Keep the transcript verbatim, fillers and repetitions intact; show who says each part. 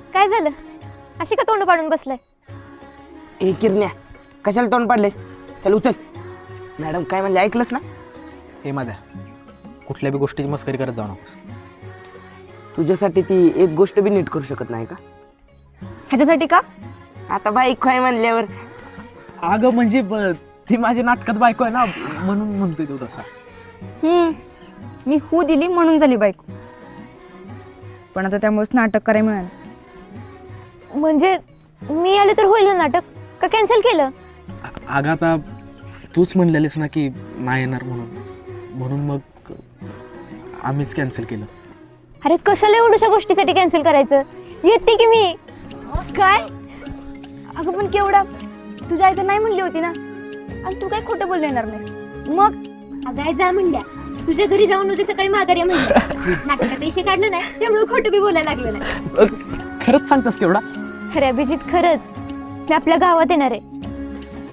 Speaker 1: काय झालं? अशी का तोंड पाडून बसलाय?
Speaker 2: ए किरण्या, कशाला तोंड पाडलेस? चल उचल. मॅडम काय म्हणजे ऐकलंस ना?
Speaker 3: हे माझ्या कुठल्या बी गोष्टीची मस्करी करत जाऊ नकोस.
Speaker 2: तुझ्यासाठी ती एक गोष्ट बी नीट करू शकत नाही का?
Speaker 1: ह्याच्यासाठी का?
Speaker 2: आता बाईक काय म्हणल्यावर.
Speaker 3: अगं म्हणजे ब- ती माझ्या नाटकात बायको आहे ना, म्हणून म्हणतोय तो तसा.
Speaker 4: हम्म मी हू दिली म्हणून झाली बायको, पण आता त्यामुळेच नाटक करायला मिळालं.
Speaker 1: म्हणजे मी आले तर होईल ना नाटक, का कॅन्सल केलं?
Speaker 3: अ- अगं आता तूच म्हणलेलीस ना की नाही येणार म्हणून, म्हणून मग आम्हीच कॅन्सल केलं.
Speaker 1: अरे कशाला एवढ्याशा गोष्टीसाठी कॅन्सल करायचं? येते की मी.
Speaker 4: काय? अगं पण केवढा, तुझ्या आई तर नाही म्हणली होती ना, आणि तू काय खोटं बोलले येणार नाही. मग
Speaker 1: अगाय जा म्हणल्या, तुझ्या घरी राहून उद्या सकाळी माघारी म्हणल्या. नाटकात पैसे काढलं नाही त्यामुळे खोटं बी बोलायला लागलं नाही.
Speaker 3: अ, खरंच सांगतास केवढा?
Speaker 1: खरं अभिजित, खरंच मी आपल्या गावात येणार आहे.